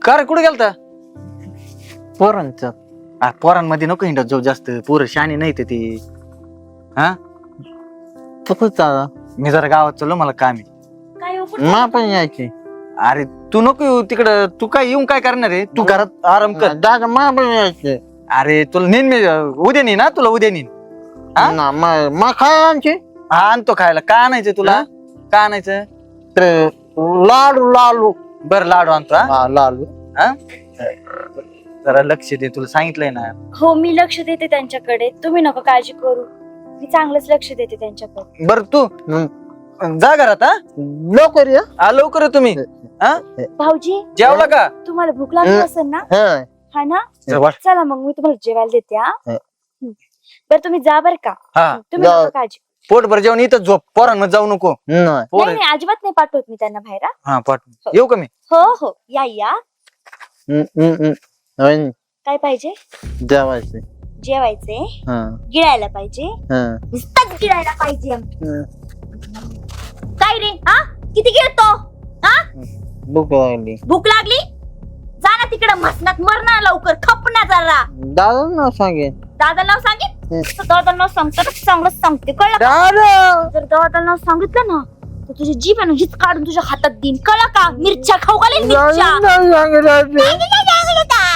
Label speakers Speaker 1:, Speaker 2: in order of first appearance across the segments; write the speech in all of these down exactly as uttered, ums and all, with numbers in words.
Speaker 1: का रे कुठे गेलता?
Speaker 2: पोरांच
Speaker 1: आ, पोरांमध्ये नको हिंडत जाऊ जास्त, पोरं शाणी नाही ते ती. हा
Speaker 2: चाला
Speaker 1: मी जरा गावात चाललो, मला काम आहे.
Speaker 3: काय हो, कुठं
Speaker 2: मा
Speaker 3: चालला
Speaker 2: पण
Speaker 3: तुम्ही?
Speaker 2: यायची.
Speaker 1: अरे तू नको येऊ तिकडं, तू काय येऊन काय करणार आहे? तू घरात आराम कर.
Speaker 2: दादा मा पण यायचे
Speaker 1: अरे तुला नेन मी, उद्या नेईन. ना तुला उद्या नेईन. हा?
Speaker 2: ना मा खाय आमची
Speaker 1: हा आणतो खायला. का आणायचं तुला? का आणायचं?
Speaker 2: ते लाडू लाडू
Speaker 1: बरं लाडू आणतो. हा?
Speaker 2: हा लाडू
Speaker 1: हा? जरा लक्ष दे, तुला सांगितलंय ना.
Speaker 3: हो मी लक्ष देते त्यांच्याकडे, तुम्ही नको काळजी करू. मी चांगलंच लक्ष देते त्यांच्याकडे.
Speaker 1: बर तू
Speaker 2: हम्म.
Speaker 1: जा घरात. हा
Speaker 2: लवकर या
Speaker 1: हा, लवकर ये तुम्ही. हा
Speaker 3: भाऊजी
Speaker 1: जेवला का?
Speaker 3: तुम्हाला भूक लागली
Speaker 2: हं.
Speaker 3: असेल ना?
Speaker 2: हा.
Speaker 3: हा ना,
Speaker 1: जवळ.
Speaker 3: चला मग मी तुम्हाला जेवायला देते. हा
Speaker 2: हं.
Speaker 3: हं. बरं तुम्ही जा बर का.
Speaker 1: हा
Speaker 3: तुम्ही
Speaker 2: जा.
Speaker 3: नको काळजी.
Speaker 1: पोटभर जेवण इथं झोप, पोरांमध्ये जाऊ नको.
Speaker 2: नाही
Speaker 1: पोर
Speaker 3: नाही नाही, अजिबात नाही पाठवत मी त्यांना बाहेर. हा?
Speaker 1: हा पाठ येऊ का मी?
Speaker 3: हो हो या या.
Speaker 2: हम्म, हम्म, हम्म. होय,
Speaker 3: काय पाहिजे?
Speaker 2: जेवायचे
Speaker 3: जेवायचे,
Speaker 2: हा
Speaker 3: गिळायला पाहिजे,
Speaker 2: हा
Speaker 3: नुसतंच गिळायला पाहिजे.
Speaker 2: हं.
Speaker 3: काय रे हा, किती गिळतो? हा,
Speaker 2: भूक लागली.
Speaker 3: भूक लागली? जा ना तिकडे मसनात, मर ना लवकर, खप ना जरा.
Speaker 2: दादा नाव सांगेन.
Speaker 3: दादा नाव सांगित?
Speaker 2: हं.
Speaker 3: दादा नाव सांगतो चांगलंच सांगते, कळलं का?
Speaker 2: दादा
Speaker 3: जर दादा नाव सांगितलं ना तर तुझी जीभ आहे ना हीच काढून तुझ्या हातात देईन, कळलं का? मिरच्या खाऊ घालेन, मिरच्या.
Speaker 2: नाव सांगितलं.
Speaker 3: काय नाही, काय नाही, काय नाही.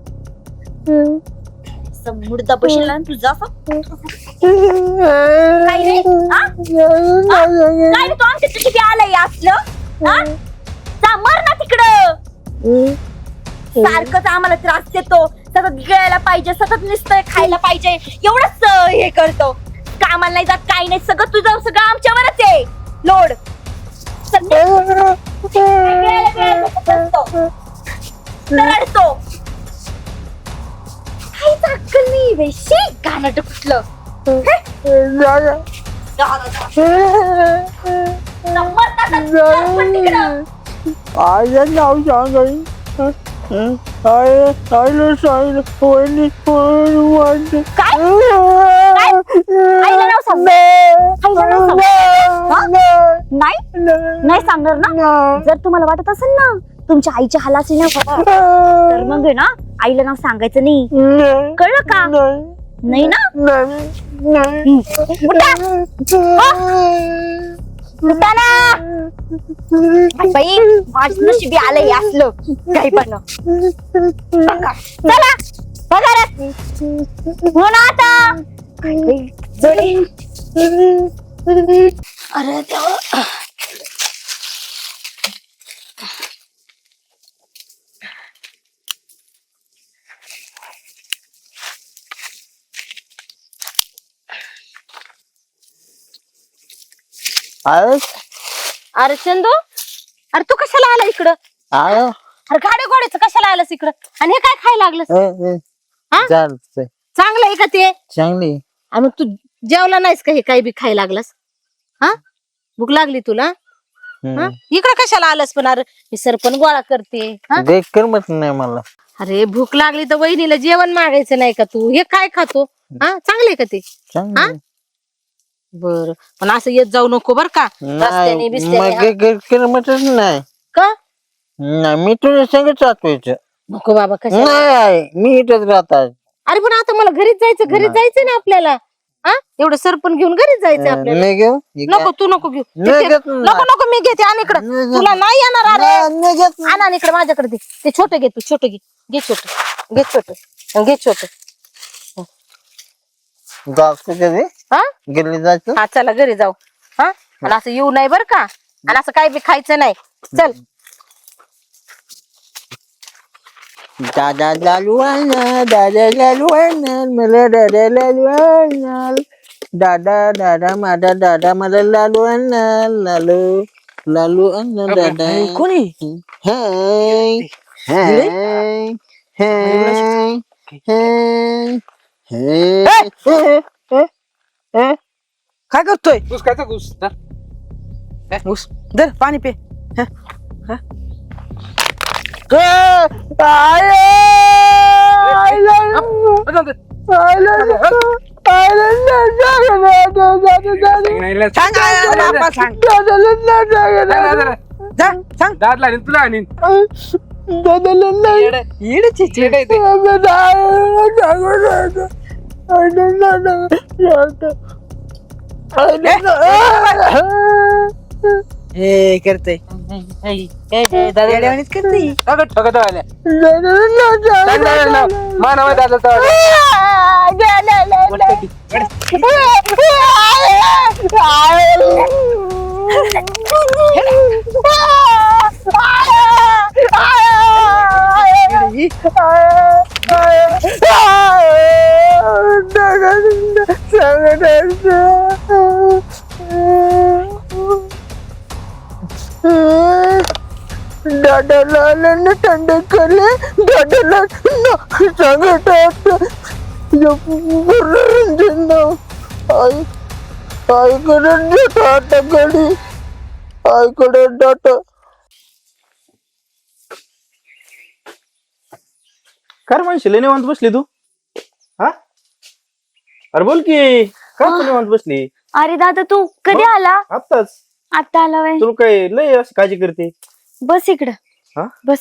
Speaker 3: असं मुडदा बसेल ना तुझा असं. काय रे हा? हा? काय रे तू आमच्या किती आलंय असलं? हा? जा मर ना तिकडं. सारखंच आम्हाला त्रास देतो, सतत गिळायला पाहिजे, सतत नुसतं खायला पाहिजे, एवढंच अं, हे करतो. कामाला नाही जात, काही नाही, सगळं तुझं सगळं आमच्यावरच आहे लोड. सगळं गिळायला गिळायला करतो. रडतो. काहीच अक्कल नाही बे, शी गाणं कुठलं.
Speaker 2: आईचं नाव सांगायचं. आईला आईला सांगितलं कोणी कोणी
Speaker 3: काय? काय? आईला नाव सांग. आईला नाव सांग. हा? नाही नाही सांगणार ना. जर तुम्हाला वाटत असेल ना तुमच्या आईच्या हालाची ना तर मग आहे ना आईला नाव सांगायचं नाही, कळलं का? नाही ना. हम्म. उठा. उठा ना. आई बाई माझं नशिबी आलंय असलं काही पण. बघा. चला पगारात हो ना आता. जोडी. अरे देवा.
Speaker 4: अरे चंदू, अरे तू कशाला आला इकडं? अरे गाड्या गोड्याचं कशाला आलास इकडं? आणि हे काय खायला लागलं? चांगलं आहे का ते?
Speaker 2: चांगली.
Speaker 4: आणि मग तू जेवला नाहीस का? हे काही बी खायला लागलास? हा, भूक लागली तुला? हा? इकडं कशाला आलास? पण अरे मी सरपण गोळा करते. हा?
Speaker 2: करमत नाही मला.
Speaker 4: अरे भूक लागली तर वहिनीला जेवण मागायचं नाही का तू? हे काय खातो? हा, चांगले का ते? हा, बर. पण असं येत जाऊ नको बर का, रस्त्याने बिस्त्याने.
Speaker 2: करमतच नाही.
Speaker 4: का
Speaker 2: नाही मी तुझ्या संगच राहतोय.
Speaker 4: नको बाबा, कशा?
Speaker 2: नाही मी इथंच राहतात.
Speaker 4: अरे पण आता मला घरीच जायचं, घरीच जायचंय ना आपल्याला. हा, एवढं सरपण घेऊन घरीच जायचं आपल्याला.
Speaker 2: नाही घेऊ.
Speaker 4: नको तू नको घेऊ.
Speaker 2: नाही
Speaker 4: ते-
Speaker 2: घेत नाही.
Speaker 4: नको नको मी घेते. आणि इकडं
Speaker 2: नाही घेत.
Speaker 4: तुला नाही येणार. अरे
Speaker 2: नाही घेत.
Speaker 4: आण आणि इकडे माझ्याकडे दे. ते छोटं घे, तू छोटं घे. घे छोटं, घे छोटं, घे छोटं.
Speaker 2: जायचं कधी?
Speaker 4: हा
Speaker 2: गेली जायचं.
Speaker 4: हा, चला घरी जाऊ. हा, आणि असं येऊ नाही बर का. आणि असं काही बी खायचं नाही. चल.
Speaker 2: दादा लालू आणणार, दादा लालू आणणार, मला दादा लालू आणणार. दादा दादा माझा दादा मला लालू आणणार. लालू लालू आणणार दादा.
Speaker 1: कोणी?
Speaker 2: हाय हाय हाय हाय हाय.
Speaker 1: काय करतोय?
Speaker 5: घुस खायचा घुस धर.
Speaker 1: ऊस दर पाणी पे. सांग आईला, बापा सांग. जा सांग.
Speaker 5: दाद लागेल तुला आणीन.
Speaker 2: दादाला नाही
Speaker 4: येडची चेड आहे ते.
Speaker 2: हे करते
Speaker 4: दादा
Speaker 2: करते
Speaker 4: ठगत आल्या मानव दादा
Speaker 2: दादाला आल्याने थंड करले दादाला सांगत आई आईकडे देतो आता घडी आईकडे जातो
Speaker 1: काय म्हणशील निवांत बसली तू हा अरे बोल की काय तू निवांत बसली
Speaker 3: अरे दादा तू कधी आला
Speaker 1: आत्ताच
Speaker 3: आता आला वय
Speaker 1: तुला काय लय असं काळजी करते
Speaker 3: बस इकडं
Speaker 1: हा?
Speaker 3: बस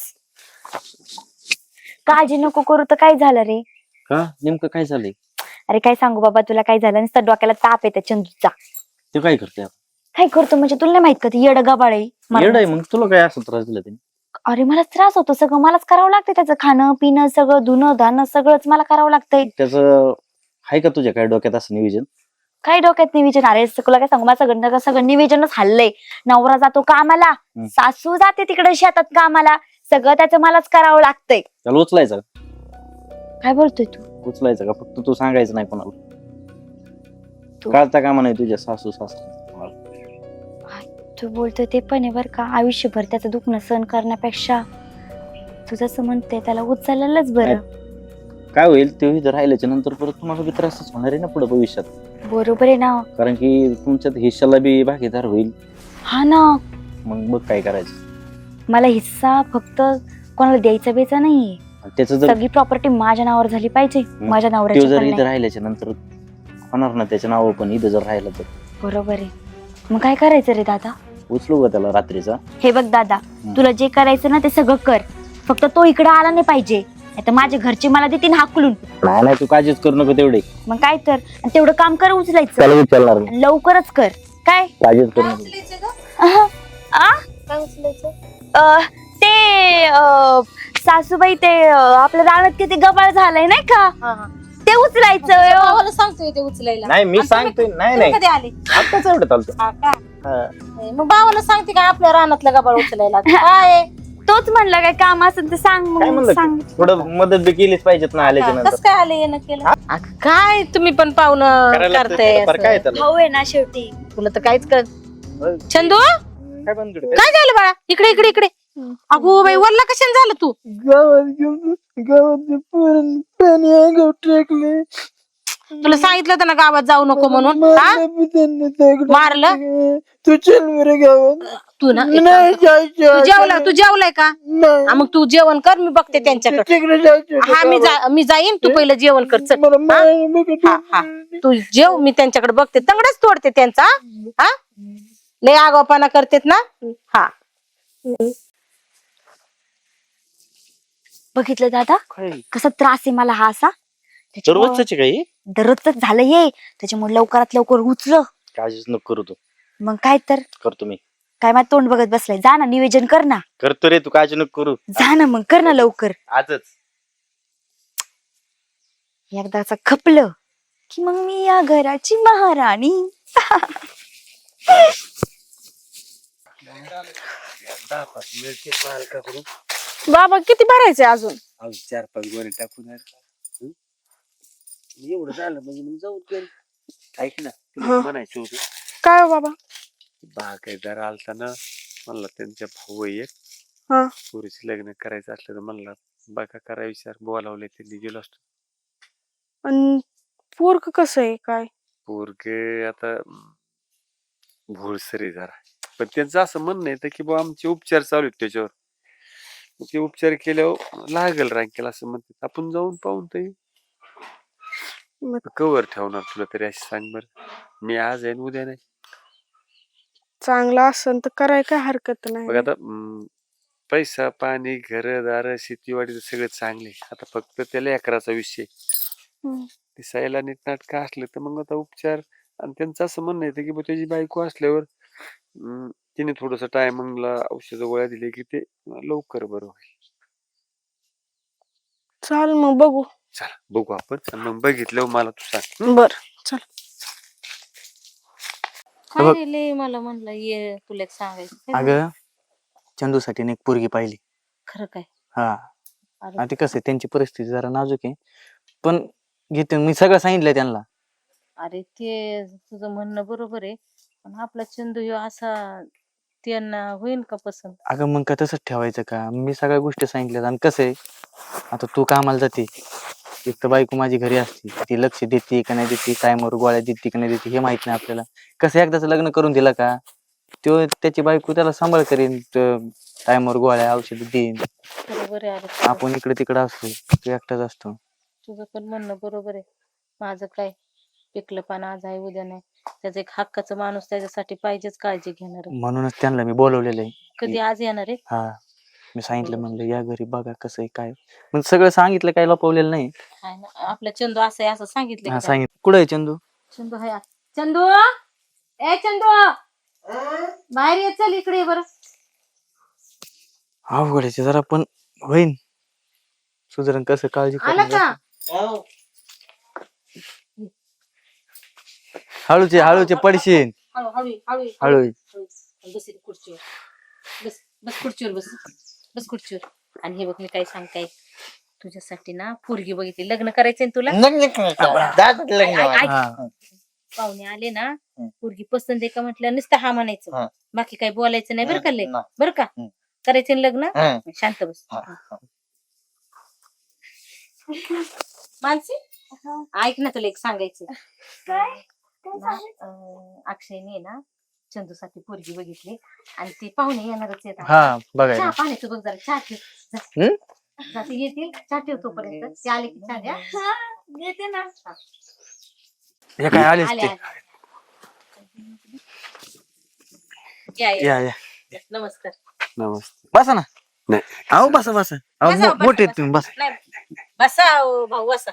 Speaker 3: काळजी नको करू तर काय झालं रे
Speaker 1: का नेमकं काय झालंय
Speaker 3: अरे काय सांगू बाबा तुला काय झालं नुसतं डोक्याला ताप येते चंदूचा
Speaker 1: तू काय करते
Speaker 3: काय करतो म्हणजे तुला नाही माहित का ती येड गबाळ आहे
Speaker 1: येड आहे मग तुला काय असं त्रास दिला त्याने
Speaker 3: अरे मला त्रास होतो सगळं मलाच करावं लागतं त्याचं खाणं पिणं सगळं धुणं धाणं सगळंच मला करावं लागतंय
Speaker 1: त्याचं आहे का तुझ्या काय डोक्यात असं नियोजन
Speaker 3: काय डोक्यात नियोजन अरे तुला काय सांगू मला सगळं सगळं नियोजनच हल्लंय नवरा जातो कामाला
Speaker 1: हम्म.
Speaker 3: सासू जाते तिकडे शेतात कामाला सगळं त्याचं मलाच करावं लागतंय
Speaker 1: त्याला उचलायचं का?
Speaker 3: काय बोलतोय तू
Speaker 1: उचलायचं का फक्त तू सांगायचं नाही कोणाला
Speaker 3: तू-
Speaker 1: काळता कामा नाही तुझ्या सासू सासू
Speaker 3: तू बोलतोय ते पण आहे बर का आयुष्यभर त्याचं दुखणं सहन करण्यापेक्षा तू जसं म्हणते त्याला उचललंच बरं
Speaker 1: काय होईल ते इथं राहिल्याच्या नंतर परत तुम्हाला बी त्रासच होणार आहे ना पुढे भविष्यात
Speaker 3: बरोबर आहे ना
Speaker 1: कारण की तुमच्यात हिश्श्याला बी भागीदार होईल
Speaker 3: हा ना
Speaker 1: मग बघ काय करायचं
Speaker 3: मला हिस्सा फक्त कोणाला द्यायचा बेचा नाहीये
Speaker 1: आणि त्याचं जर
Speaker 3: सगळी प्रॉपर्टी माझ्या नावावर झाली पाहिजे माझ्या
Speaker 1: तो
Speaker 3: नवऱ्याची
Speaker 1: जर
Speaker 3: पण
Speaker 1: इथं
Speaker 3: नाही.
Speaker 1: राहिल्याच्या नंतर होणार ना त्याच्या नाव पण इथं जर राहिलं तर
Speaker 3: बरोबर आहे मग काय करायचं रे दादा
Speaker 1: उचलू का त्याला रात्रीचा
Speaker 3: हे बघ दादा तुला जे करायचं ना ते सगळं कर फक्त तो इकडे आला नाही पाहिजे नाहीतर माझे घरचे मला देतील हाकलून
Speaker 1: नाही नाही तू काळजीच करू नको तेवढे
Speaker 3: मग काय तर आणि तेवढं काम कर उचलायचं
Speaker 1: त्याला उचलणार नाही
Speaker 3: आणि लवकरच कर काय
Speaker 1: काळजीच करू नको
Speaker 3: अहं. आ?
Speaker 4: काय उचलायचं
Speaker 3: अ, ते अ, सासूबाई ते अ, आपल्या रानात किती गबाळ झालंय नाही का
Speaker 4: हा हा
Speaker 3: ते उचलायचं
Speaker 4: भावाला सांगतोय ते उचलायला
Speaker 1: नाही मी
Speaker 4: आणि तुम्ही-
Speaker 1: सांगतोय नाही
Speaker 4: तुम्ही
Speaker 1: नाही
Speaker 4: कधी आले
Speaker 1: आत्ताच एवढं चालतो
Speaker 4: हा का
Speaker 1: हा.
Speaker 4: मग भावाला सांगते का आपल्या रानातलं गबाळ उचलायला काय
Speaker 3: तोच म्हणला काय काम असेल ते सांग
Speaker 1: काय
Speaker 3: मग
Speaker 1: म्हणलं
Speaker 3: सांग
Speaker 1: थोडं मदत बी केलीच पाहिजेत ना आल्याच्या
Speaker 4: कस
Speaker 1: नंतर
Speaker 4: काय आले येणं केलं अगं, काय तुम्ही पण पाहुणं
Speaker 1: करायला लागतं
Speaker 4: करताय
Speaker 1: थोडंफार, काय
Speaker 4: असं.
Speaker 1: त्याला
Speaker 3: भाऊ आहे ना शेवटी
Speaker 4: तुला तर काहीच कर चंदू
Speaker 1: काय बंद करू?
Speaker 4: काय झालं बाळा इकडे इकडे इकडे अगो बाई वरला कशाने झालं तू
Speaker 2: गावात घेऊन गावात पोरण पाणी अंगावर टाकले
Speaker 4: तुला सांगितलं होतं ना गावात जाऊ नको म्हणून हा?
Speaker 2: मारलं बी त्यांनी दगड.
Speaker 4: मारलं
Speaker 2: तू चल बरं गावात
Speaker 4: तू ना एक
Speaker 2: नाही
Speaker 4: काम कर. तू
Speaker 2: जायचं
Speaker 4: जेवला तू जेवलाय का
Speaker 2: नाही
Speaker 4: हा, मग तू जेवण कर मी बघते त्यांच्याकडे
Speaker 2: तिकडे जायचं
Speaker 4: हा मी जा मी जाईन तू पहिलं जेवण कर चल.
Speaker 2: मला
Speaker 4: हा?
Speaker 2: माय- मी
Speaker 4: हा, हा. तू जेव मी त्यांच्याकडे बघते तंगडच तोडते त्यांचा हा लय आगावपणा करतेत ना हा
Speaker 3: बघितलं दादा
Speaker 1: काय
Speaker 3: कसा त्रास आहे मला हा असा त्याच्यामुळं
Speaker 1: दररोजची काही
Speaker 3: दररोजच झालं ये त्याच्यामुळे लवकरात लवकर उचल
Speaker 1: काळजीच नको करू तू
Speaker 3: मग काय तर
Speaker 1: करतो मी
Speaker 3: काय माझं तोंड बघत बसलाय जा ना नियोजन कर ना
Speaker 1: करतो रे तू काळजी नको करू
Speaker 3: जा ना मग कर ना लवकर
Speaker 1: आजच
Speaker 3: एकदाचा खपलं की मग मी या घराची महाराणी
Speaker 4: बाबा किती भरायचे अजून
Speaker 5: चार पाच गोणे टाकून आहे. एवढं झालं म्हणजे मग जाऊ दे. ऐक ना तुला म्हणायचं होतं
Speaker 4: काय हो बाबा
Speaker 5: बागायतदार आलता ना म्हणला त्यांच्या भाऊ आहे एक
Speaker 4: हा.
Speaker 5: पोरीचे लग्न करायचं असलं तर म्हणला बघा करा विचार बोलावले त्यांनी गेलो असतो
Speaker 4: आणि पोरक कसं आहे काय
Speaker 5: पोरगे आता भोळसरी जरा पण त्यांचं असं म्हणणं आहे की बुवा आमचे उपचार चालू आहेत त्याच्यावर मग ते उपचार केल्यावर लागल रांकेल असं म्हणतात आपण जाऊन पाहून तर कवर ठेवणार तुला तरी अशी सांग बरं मी आज आहे न उद्या नाही
Speaker 6: चांगला असेल तर कराय काय हरकत
Speaker 5: बघ
Speaker 6: नाही
Speaker 5: आता अं, पैसा पाणी घरदार शेतीवाडी सगळं चांगले, आता फक्त त्याला लेकराचा विषय. दिसायला नीटनाटकं असलं तर मग आता उपचार. आणि त्यांचं असं म्हणणं येतं की बुवा त्याची बायको असल्यावर अं, तिने थोडस टायमिंगला औषध गोळ्या दिले की ते लवकर बरं होईल.
Speaker 4: चाल मग बघू.
Speaker 5: चला बघू आपण. आणि मग बघितलं मला तू सांग.
Speaker 4: बर चल.
Speaker 1: बघ.
Speaker 4: काय रे लय मला म्हणलं ये तुला एक सांगायचं. काय झालं?
Speaker 1: अगं चंदूसाठी एक पोरगी पाहिली.
Speaker 4: खरं काय?
Speaker 1: हा
Speaker 4: अरे
Speaker 1: आणि ते कसं आहे, त्यांची परिस्थिती जरा नाजूक आहे, पण घेते मी सगळं सांगितलंय त्यांना.
Speaker 4: अरे ते तुझं म्हणणं बरोबर आहे, पण आपला चंदू ह्यो असा त्यांना होईन का पसंत?
Speaker 1: अगं मग का तसंच ठेवायचं का? मी सगळ्या गोष्टी सांगितल्यात. आणि कसं आहे, आता तू कामाला जाते, एक तर बायको माझी घरी असते, ती लक्ष देते का नाही देते, टायमवर गोळ्या देते का नाही देते हे माहित नाही आपल्याला. कसं एकदाच लग्न करून दिलं का तो त्याची बायको त्याला सांभाळ करेन, टायमवर गोळ्या औषध देईन.
Speaker 4: बरोबर आहे. अरे तुझं-
Speaker 1: आपण इकडे तिकडे असतो, तो एकटाच असतो.
Speaker 4: तुझं पण म्हणणं बरोबर आहे. माझं काय पिकलं पान आज आहे उद्या नाही. त्याचा एक हक्काचा माणूस त्याच्यासाठी पाहिजेच, काळजी घेणार.
Speaker 1: म्हणूनच त्यांना मी बोलवलेलं आहे.
Speaker 4: कधी आज येणार आहे?
Speaker 1: हा मी सांगितलं, म्हणलं या घरी बघा कसं आहे काय. मग सगळं सांगितलं, काही लपवलेलं नाही.
Speaker 4: हाय ना, आपला चंदू असं आहे असं सांगितलं
Speaker 1: हा
Speaker 4: की काय?
Speaker 1: सांगितलं. कुठं आहे चंदू?
Speaker 4: चंदू हाय. चंदू ए चंदू बाहेर ये, चल इकडे ये बरं.
Speaker 1: अवघडायचे जरा, पण होईन सुधारण. कसं काळजी
Speaker 4: आला
Speaker 1: करून
Speaker 4: का?
Speaker 1: जा. हळूचे हळूचे पडशील.
Speaker 4: हळू हळू हळू
Speaker 1: हळू.
Speaker 4: हळू. बस इथे खुर्चीवर. बस बस खुर्चीवर बस. बस खुर्चीवर. आणि हे बघ मी काय सांगताय, तुझ्यासाठी ना पोरगी बघितली. लग्न करायचंय ना तुला?
Speaker 2: लग्न करायचं. दादाचं लग्न
Speaker 4: ऐक- ऐक-
Speaker 2: व्हायचं.
Speaker 1: हा
Speaker 4: पाहुणे आले ना,
Speaker 2: हं.
Speaker 4: पोरगी पसंत आहे का म्हटलं नुसतं हा म्हणायचं,
Speaker 2: हं.
Speaker 4: बाकी काही बोलायचं नाही बरं का? लय
Speaker 2: नाही.
Speaker 4: बरं का?
Speaker 2: हं.
Speaker 4: करायचं ना लग्न?
Speaker 2: हं.
Speaker 4: शांत बस.
Speaker 2: हा, हा.
Speaker 4: मानसी ऐक ना, तुला एक सांगायचं. ना, अं, अक्षयने ना चंदूसाठी पोरगी बघितली आणि ती पाहुणे येणारच येतात.
Speaker 1: हा
Speaker 4: चहा
Speaker 1: बघायला.
Speaker 4: पाण्याचं बघ जरा, चहा ठेव जा.
Speaker 1: हं?
Speaker 4: जा, ते येतील, चहा ठेव तोपर्यंत. ते आले की चहा द्या.
Speaker 3: देते ना.
Speaker 4: हा.
Speaker 1: हे काय आलेच
Speaker 4: आले
Speaker 1: ते.
Speaker 4: आले. या, या.
Speaker 1: या या
Speaker 4: नमस्कार.
Speaker 5: नमस्ते.
Speaker 1: बसा ना.
Speaker 5: नाही
Speaker 1: अहो बसा बसा. अहो
Speaker 4: बसा,
Speaker 1: मो- मोठे
Speaker 4: बसा,
Speaker 1: आहेत तुम्ही, बसा.
Speaker 4: नाही बसा हो, भाऊ बसा.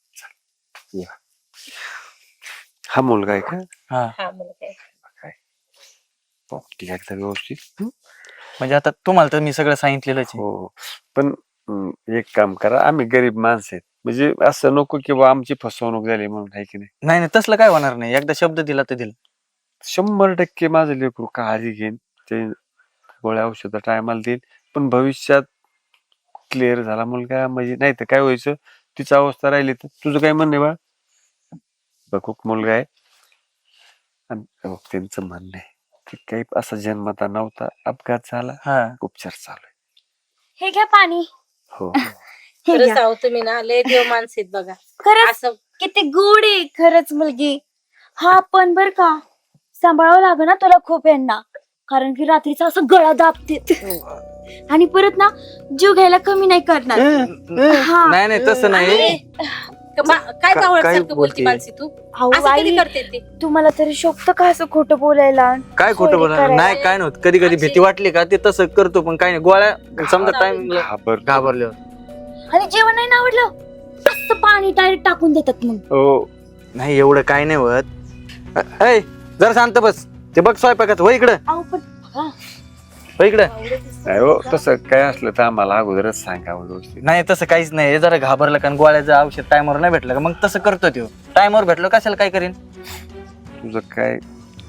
Speaker 5: हा मुलगा आहे का?
Speaker 1: हा
Speaker 4: हा मला काय
Speaker 5: हो, ठीक आहे, एकदम व्यवस्थित. हं?
Speaker 1: म्हणजे आता तुम्हाला तर मी सगळं सांगितलेलंच आहे.
Speaker 5: हो पण हं, एक काम करा, आम्ही गरीब माणसं आहेत, म्हणजे असं नको की बा आमची फसवणूक झाली म्हणून, आहे की नाही.
Speaker 1: नाही नाही तसलं काय होणार नाही. एकदा शब्द दिला तर दिला.
Speaker 5: शंभर टक्के माझं लेकरू काळजी घेईन, ते गोळ्या औषध टायमाला देईल. पण भविष्यात क्लिअर झाला मुलगा म्हणजे, नाही तर काय व्हायचं, तिची अवस्था राहिली तर. तुझं काय म्हणणं आहे बा? बघूक मुलगा आहे. आणि बघ, त्यांचं म्हणणं आहे की काही असा जन्मता नव्हता, अपघात झाला,
Speaker 1: हा
Speaker 5: उपचार चालू आहे.
Speaker 3: हे घ्या पाणी.
Speaker 5: हो
Speaker 3: हे
Speaker 4: खरंच
Speaker 3: घ्या.
Speaker 4: आहो तुम्ही ना लय देव माणसेत बघा.
Speaker 3: खरंच
Speaker 4: असं
Speaker 3: किती गोड आहे खरंच मुलगी. हा पण बर का, सांभाळावं लागेल ना तुला खूप यांना, कारण की रात्रीचा असं गळा दाबते आणि परत ना जीव घ्यायला कमी नाही करणार. हा.
Speaker 1: नाही नाही तसं नाही.
Speaker 4: मा- काय
Speaker 1: का-
Speaker 4: कावळत
Speaker 1: काय
Speaker 4: सारखं बोलती
Speaker 1: बोलते?
Speaker 4: मानसी तू?
Speaker 3: अहो
Speaker 4: असं कधी
Speaker 3: आई,
Speaker 4: करते ती?
Speaker 3: तुम्हाला तरी शोभतं का असं खोटं बोलायला?
Speaker 1: काय खोटं
Speaker 3: चोरी
Speaker 1: बोलणार
Speaker 3: करायला.
Speaker 1: नाही, काय नव्हतं. कधी कधी भीती वाटली का ते तसं करतो, पण काय नाही. गोळ्या समजा टाइम
Speaker 5: घाबर
Speaker 1: घाबरल्यावर.
Speaker 3: आणि जेवण नाही ना आवडलं, मस्त पाणी डायरेक्ट टाकून देतात मग.
Speaker 5: हो.
Speaker 1: नाही एवढं काय नाही होत. अ- ऐ जरा शांत बस. ते बघ स्वयंपाकात. हो इकडं,
Speaker 3: अहो पण बघा,
Speaker 1: हो इकडं.
Speaker 5: नाही हो, तसं काय असलं तर आम्हाला अगोदरच सांगावं व्यवस्थित.
Speaker 1: नाही तसं काहीच नाही. हे जरा घाबरलं कारण गोळ्याचं औषध टायमवर नाही भेटलं का मग तसं करतो तो. टायमवर भेटलं कशाला काय करीन.
Speaker 5: तुझं काय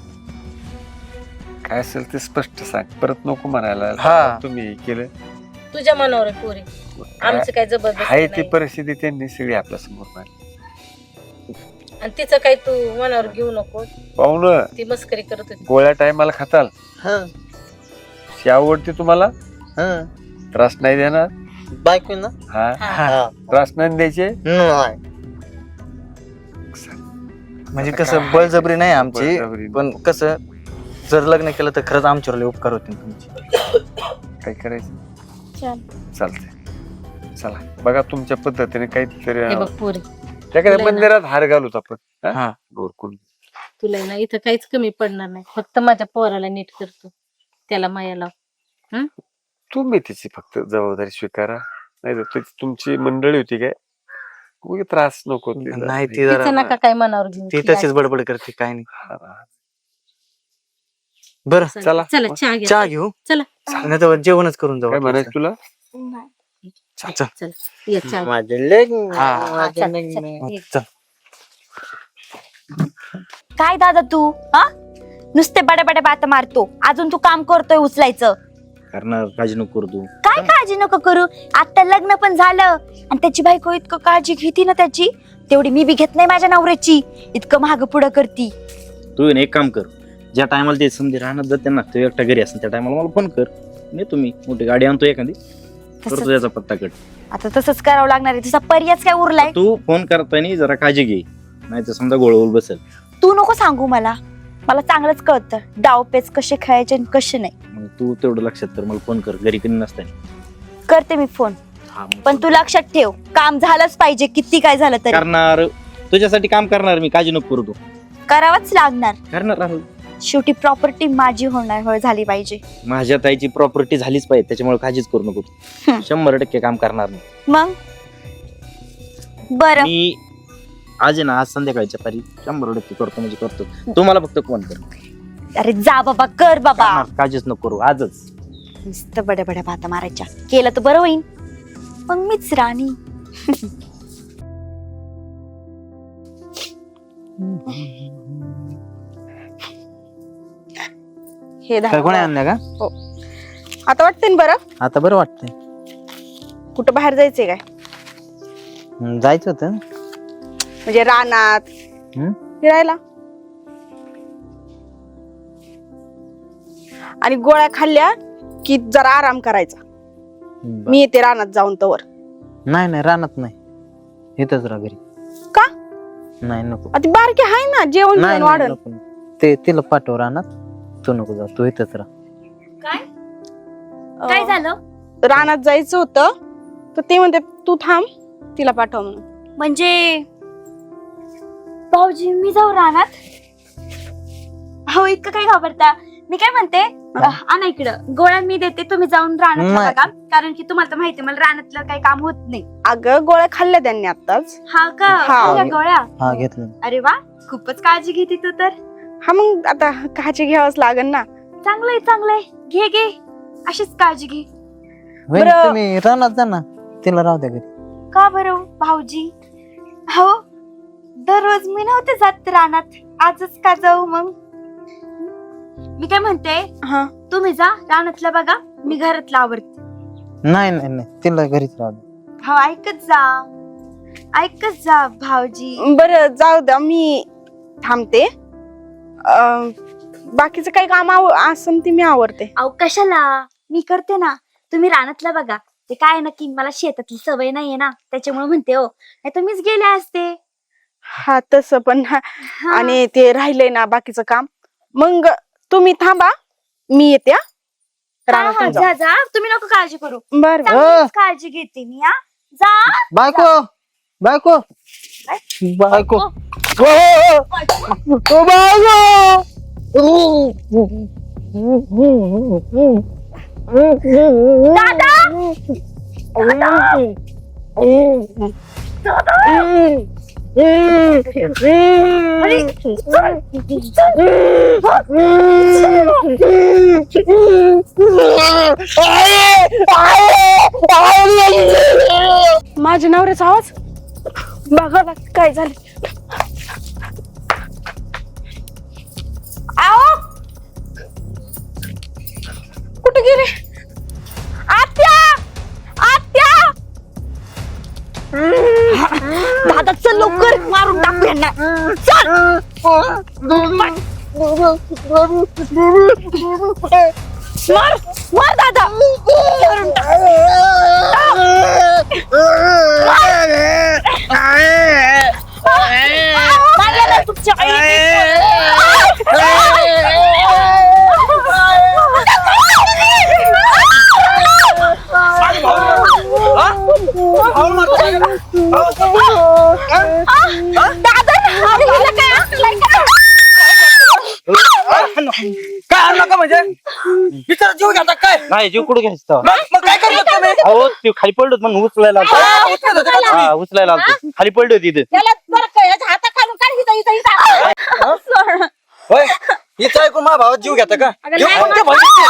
Speaker 5: काय असेल ते स्पष्ट सांग, परत नको म्हणायला
Speaker 1: हा.
Speaker 5: तुम्ही हे केलं.
Speaker 4: तुझ्या मनावर आहे पोरी, आमचं काय
Speaker 5: आहे
Speaker 4: जबरदस्ती
Speaker 5: ती
Speaker 4: नाही.
Speaker 5: परिस्थिती त्यांनी सगळी आपल्या समोर मांडली.
Speaker 4: आणि तिचं काही तू मनावर घेऊ नको.
Speaker 5: पाहुणं,
Speaker 4: ती मस्करी करत होती.
Speaker 5: गोळ्या टायमाला खाताल,
Speaker 2: हं,
Speaker 5: शी आवडते तुम्हाला,
Speaker 2: हं.
Speaker 5: त्रास नाही देणार.
Speaker 2: बायको ना
Speaker 5: हा,
Speaker 4: हा.
Speaker 2: हा.
Speaker 5: त्रास नाही द्यायचे.
Speaker 2: नाही.
Speaker 1: म्हणजे कसं बळजबरी नाही आमची,
Speaker 5: बळजबरी.
Speaker 1: पण कसं जर लग्न केलं तर खरंच आमच्यावर लय उपकार होतील तुमचे.
Speaker 5: काय करायचं
Speaker 3: चल.
Speaker 5: चालतंय. चला बघा तुमच्या पद्धतीने काहीतरी
Speaker 4: हे बघ पोरी,
Speaker 5: त्या
Speaker 4: तुला आहे ना-
Speaker 5: मंदिरात हार घालूत आपण. हा?
Speaker 1: हा
Speaker 5: गोरकुल.
Speaker 4: तुला ना इथं काहीच कमी पडणार नाही. फक्त माझ्या पोराला नीट करतो, त्याला माया लाव. हं?
Speaker 5: तुम्ही तिची फक्त जबाबदारी स्वीकारा, नाही तर तुमची मंडळी होती काय उगी त्रास नको तिला.
Speaker 1: नाही ती
Speaker 4: तिचं
Speaker 1: जरा
Speaker 4: नका काय मनावर घेऊन
Speaker 1: ती
Speaker 4: ती
Speaker 1: तशीच बडबड करते काय नाही.
Speaker 5: हा, हा.
Speaker 1: बरं
Speaker 4: चला
Speaker 5: चला.
Speaker 4: चला चहा घ्या
Speaker 1: चहा घेऊ
Speaker 4: चला
Speaker 1: नाही तर जेवणच करून जाऊ
Speaker 5: काय म्हणायचं तुला?
Speaker 1: चल
Speaker 4: चला ये चहा घ्या.
Speaker 2: माझं लग्न
Speaker 1: हा.
Speaker 2: माझं
Speaker 4: चल,
Speaker 2: लग्न.
Speaker 4: चल, ये.
Speaker 1: चल
Speaker 3: काय दादा तू हा नुसते बड्या बड्या बाता मारतो, अजून तू काम करतोय उचलायचं.
Speaker 6: करणार काळजी नको करू तू.
Speaker 3: काय काळजी नको करू, आता लग्न पण झालं आणि त्याची बायको इतकं काळजी घेती ना त्याची, तेवढी मी बी घेत नाही माझ्या नवऱ्याची. इतकं माग पुढं करती.
Speaker 6: तू आहे ना एक काम कर, ज्या टायमाला ते समजे राहणार जाते ना तो एकटा घरी असं त्या टायमाला मला फोन कर, मी तुम्ही मोठी गाडी आणतो एखादी, करतो
Speaker 3: तसं-
Speaker 6: त्याचा पत्ता कट.
Speaker 3: आता तसंच करावं लागणार आहे, तुझा पर्यायच काय उरलाय.
Speaker 6: तू फोन करताना जरा काळजी घे, नाही तर समजा गोळवल बसेल.
Speaker 3: तू नको सांगू मला, मला चांगलंच कळतं डावपेच कसे खेळायचे आणि कसे नाही.
Speaker 6: मग तू तेवढं लक्षात कर, मला फोन कर घरी कधी नसताना.
Speaker 3: करते मी फोन,
Speaker 6: हा, मग
Speaker 3: पण तू लक्षात ठेव काम झालंच पाहिजे, किती काय झालं तरी
Speaker 6: करणार, तुझ्यासाठी काम करणार मी, काळजी नको करू तू.
Speaker 3: करावंच लागणार.
Speaker 6: करणार राहुल,
Speaker 3: शेवटी प्रॉपर्टी माझी होणार होय झाली पाहिजे.
Speaker 6: माझ्या ताईची प्रॉपर्टी झालीच पाहिजे, त्याच्यामुळे काळजीच करू नको.
Speaker 3: हम्म.
Speaker 6: शंभर टक्के काम करणार मी.
Speaker 3: मग बरं
Speaker 6: मी आज आहे ना, आज संध्याकाळच्या पारी शंभर टक्के करतो म्हणजे करतो. तू मला फक्त फोन कर,
Speaker 3: अरे जा बाबा, कर बाबा.
Speaker 6: करणार, काळजीच नको करू आजच.
Speaker 3: नुसतं बड्या बड्या भाता मारायच्या, केलं तर बरं होईल. मग मीच राणी.
Speaker 2: हे
Speaker 1: काय कोणी आणलं का?
Speaker 2: आता वाटतंय ना बरं,
Speaker 1: आता बरं वाटतंय.
Speaker 2: कुठं बाहेर जायचंय काय?
Speaker 1: हम्म, जायचं होतं ना.
Speaker 2: म्हणजे रानात
Speaker 1: हम्म?
Speaker 2: फिरायला. आणि गोळ्या खाल्ल्या की जरा आराम करायचा.
Speaker 1: बरं.
Speaker 2: मी येते रानात जाऊन तवर.
Speaker 1: नाही नाही रानात नाही, इथंच राहा घरी.
Speaker 2: का?
Speaker 1: नाही नको.
Speaker 2: आता बारकी आहे ना, जेवण
Speaker 1: नाही
Speaker 2: जेवण
Speaker 1: नाही,
Speaker 2: वाढन.
Speaker 1: नको, नको. ते तिला पाठव रानात, तू नको जा, तू इथंच राहा.
Speaker 3: काय काय झालं?
Speaker 2: रानात जायचं होतं तर ते म्हणते तू थांब, तिला पाठव म्हणून.
Speaker 3: म्हणजे भाऊजी मी जाऊ रानात? हो इतकं काय घाबरता? मी काय म्हणते, आणा इकडं गोळ्या मी देते, तुम्ही जाऊन रानात
Speaker 1: नाही.
Speaker 3: बघा, कारण की तुम्हाला तर माहिती मला रानातलं काही काम होत नाही.
Speaker 2: अगं गोळ्या खाल्ल्या त्यांनी आताच.
Speaker 3: हा का?
Speaker 2: हा.
Speaker 3: खाल्ल्या गोळ्या?
Speaker 1: हा घेतलं.
Speaker 3: अरे वा, खूपच काळजी घेते तू तर.
Speaker 2: हा मग आता काळजी घ्यावंच लागेल ना.
Speaker 3: चांगलंय चांगलंय, घे घे, अशीच काळजी घे.
Speaker 1: वहिनी,
Speaker 2: बरं.
Speaker 1: तुम्ही रानात जा ना, तिला राहू द्या घरी.
Speaker 3: का बरं भाऊजी? हो दररोज मी नव्हते जात रानात, आजच का जाऊ मग? मी काय म्हणते,
Speaker 2: हा
Speaker 3: तुम्ही जा रानातलं बघा, मी घरातलं आवरते.
Speaker 1: नाही नाही नाही, तिला घरीच राहू द्या.
Speaker 3: हो ऐकत जा, ऐकत जा भाऊजी.
Speaker 2: बरं जाऊ द्या, मी थांबते. अं, बाकीचं काही काम आव असं ती मी आवरते.
Speaker 3: अहो कशाला, मी करते ना, तुम्ही रानातलं बघा. ते काय नक्की मला शेतातली सवय नाहीये ना, त्याच्यामुळे म्हणते हो, नाही तर मीच गेले असते.
Speaker 2: हा तसं पण हा.
Speaker 3: हा.
Speaker 2: आणि ते राहिलंय ना बाकीचं काम, मग तुम्ही थांबा, मी येते हा.
Speaker 3: हा, हा,
Speaker 2: रानातून जाऊ.
Speaker 3: जा जा, तुम्ही नको काळजी करू,
Speaker 2: बरं बरं.
Speaker 3: चांगलीच काळजी घेते मी. हा जा.
Speaker 1: बायको बायको बायको
Speaker 3: दादा
Speaker 2: माझ्या नवऱ्याचा आवाज बघा ना काय झालं. आओ कुठे गेले? आत्या आत्या
Speaker 3: दादा चल लवकर, मारून टाकू यांना. चल मार मार दादा, मारून टाक. मारलेलं तुमच्या
Speaker 7: काय आणलं का म्हणजे विचार जीव घ्या काय
Speaker 6: नाही जीव कुठे घ्यायचं तेव्हा?
Speaker 2: मग मग काय करतो तुम्ही
Speaker 6: अहो ते खाली पडलो म्हणून उचलायला आलतो.
Speaker 2: हा, उचलत होते का तुम्ही?
Speaker 6: हा उचलायला आलतो खाली पडली होती इथं.
Speaker 4: त्याला जर का याच्या हाताखालून काढ हिचा हिचा हिचा
Speaker 2: होय हिचं ऐकून माझ्या भावात जीव घेता का
Speaker 4: अगं
Speaker 2: जीव
Speaker 4: नाही,
Speaker 2: कोणत्या भावाची?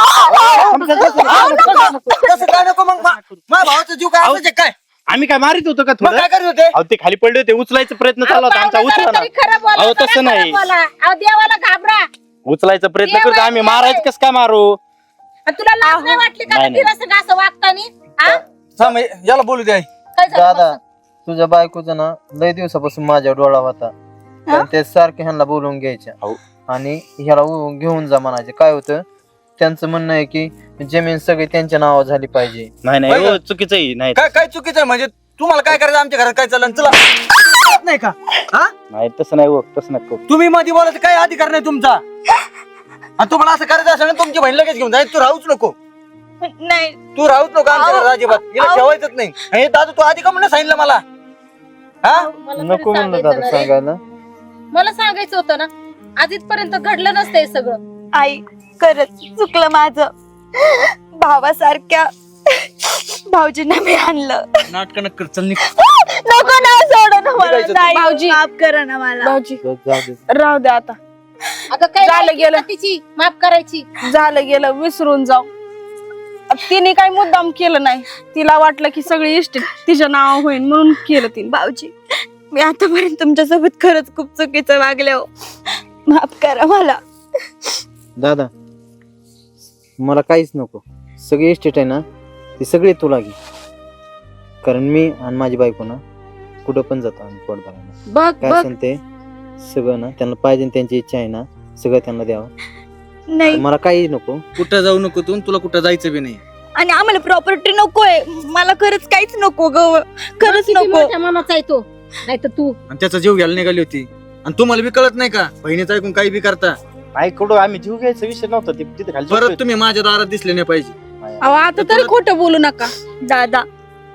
Speaker 2: तसं काय नको मग मा- माझ्या भावाचा जीव काय असायचे काय
Speaker 6: आम्ही काय मारित होतो का
Speaker 2: मग
Speaker 6: थोडं
Speaker 2: काय करत होते
Speaker 6: अहो ते खाली पडले होते उचलायचा प्रयत्न चालू होता आमचा उचला ना
Speaker 4: खरं बोला
Speaker 6: अहो,
Speaker 4: जरा
Speaker 6: तसं
Speaker 4: खरं
Speaker 6: नाही.
Speaker 4: बोला. अहो देवाला घाबरा
Speaker 6: उचलायचा प्रयत्न
Speaker 4: देवा,
Speaker 6: करतो आम्ही
Speaker 4: देवा.
Speaker 6: मारायचं कसं काय मारू
Speaker 4: आणि तुला लाज नाही वाटली का
Speaker 6: नाही, नाही.
Speaker 4: तिला सगळं असं वागतानी हा?
Speaker 2: थांब, याला बोलू दे आई.
Speaker 4: काय झालं
Speaker 7: दादा
Speaker 4: बस?
Speaker 7: तुझ्या बायकोचा ना लय दिवसापासून माझ्या डोळा होता पण ते सारखे ह्यांना बोलवून घ्यायच्या
Speaker 6: हो.
Speaker 7: आणि ह्याला उ- घेऊन जा म्हणायचे काय होतं त्यांचं म्हणणं आहे की जमीन सगळी त्यांच्या नावावर झाली पाहिजे
Speaker 6: नाही नाही
Speaker 2: बरं.
Speaker 6: हो, चुकीचं आहे नाही
Speaker 2: काय काय चुकीचं आहे म्हणजे तुम्हाला काय करायचं आमच्या घरात काय चाललं चला नाही का हा
Speaker 6: नाही तसं नाही हो तसं नाही करू.
Speaker 2: तुम्ही मध्ये बोलायचं काय अधिकार नाही तुमचा आणि तुम्हाला असं करायचं असेल ना तुमची बहीण लगेच घेऊन जाय तू राहूच नको
Speaker 3: नाही
Speaker 2: तू राहूच नको आमच्या घरात अजिबात हिला
Speaker 3: आव.
Speaker 2: ठेवायचंच नाही हे दादा तू आधी का म्हणून सांगितलं मला हा
Speaker 4: मला तरी
Speaker 7: नको म्हणलं
Speaker 4: सांगायचं
Speaker 7: दादा
Speaker 4: ना रे.
Speaker 7: सांगायला
Speaker 4: मला सांगायचं होतं ना आज इथपर्यंत घडलं नसतं हे सगळं
Speaker 3: आई खरंच चुकलं माझं भावासारख्या भाऊजींना मी आणलं
Speaker 2: नाटक नक्कर चल निघ.
Speaker 3: नको ना सोड ना मला
Speaker 2: निघायचं
Speaker 3: ताई.
Speaker 4: भाऊजी.
Speaker 3: माफ करा ना मला
Speaker 8: भाऊजी
Speaker 7: जाऊ दे
Speaker 8: राहू द्या आता
Speaker 4: अगं काय
Speaker 8: झालं
Speaker 4: लायकी
Speaker 8: गेलं.
Speaker 4: का तिची माफ करायची
Speaker 8: झालं गेलं विसरून जाऊ तिने काही मुद्दाम केलं नाही तिला वाटलं की सगळी इस्टेट तिच्या नाव होईल म्हणून केलं तिने
Speaker 3: भाऊजी मी आतापर्यंत तुमच्यासोबत खरंच खूप चुकीचं वागले हो माफ करा मला
Speaker 7: दादा मला काहीच नको सगळी इस्टेट आहे ना ती सगळी तुला घे कारण मी आणि माझी बायको ना कुठं पण जातो आम्ही पोट भरायला
Speaker 8: बघ
Speaker 7: काय
Speaker 8: बघ
Speaker 7: असेल ते सगळं ना त्यांना पाहिजे त्यांची इच्छा आहे ना सगळं त्यांना द्यावं
Speaker 3: नाही
Speaker 7: मला काही नको
Speaker 2: कुठं जाऊ नको तू तुला कुठं जायचं बी नाही
Speaker 3: आणि आम्हाला प्रॉपर्टी नकोय मला खरंच काहीच नको ग खरंच
Speaker 4: किती
Speaker 3: नको
Speaker 4: मोठ्या मनाचा आहे तो नाही तर तू
Speaker 2: आणि त्याचा जीव घ्यायला निघाली होती आणि तुम्हाला बी कळत नाही का बहिणीचं ऐकून काही बी करता
Speaker 6: नाही कुठं आम्ही जीव घ्यायचा विषय नव्हता ते तिथे खाली
Speaker 2: परत तुम्ही माझ्या दारात दिसले नाही पाहिजे
Speaker 8: अहो आता तरी खोटं बोलू नका
Speaker 3: दादा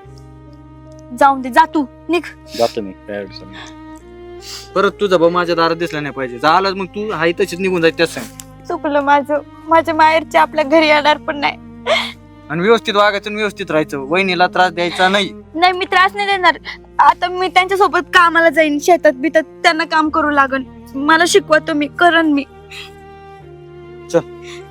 Speaker 3: जाऊन दे जा तू निघ
Speaker 6: जातो मी काय अडचण नाही.
Speaker 2: परत तुझा भाऊ माझ्या दारात दिसला नाही पाहिजे झालं मग तू हाय तशीच निघून जायचं त्याच सांग
Speaker 3: चुकलं माझं माझ्या माहेरचे आपल्या घरी येणार पण नाही
Speaker 2: आणि व्यवस्थित वागायचं आणि व्यवस्थित राहायचं वहिनीला त्रास द्यायचा नाही
Speaker 3: नाही मी त्रास नाही देणार आता मी त्यांच्या सोबत कामाला जाईन शेतात बितात त्यांना काम करू लागन मला शिकवा तुम्ही करन मी
Speaker 2: चल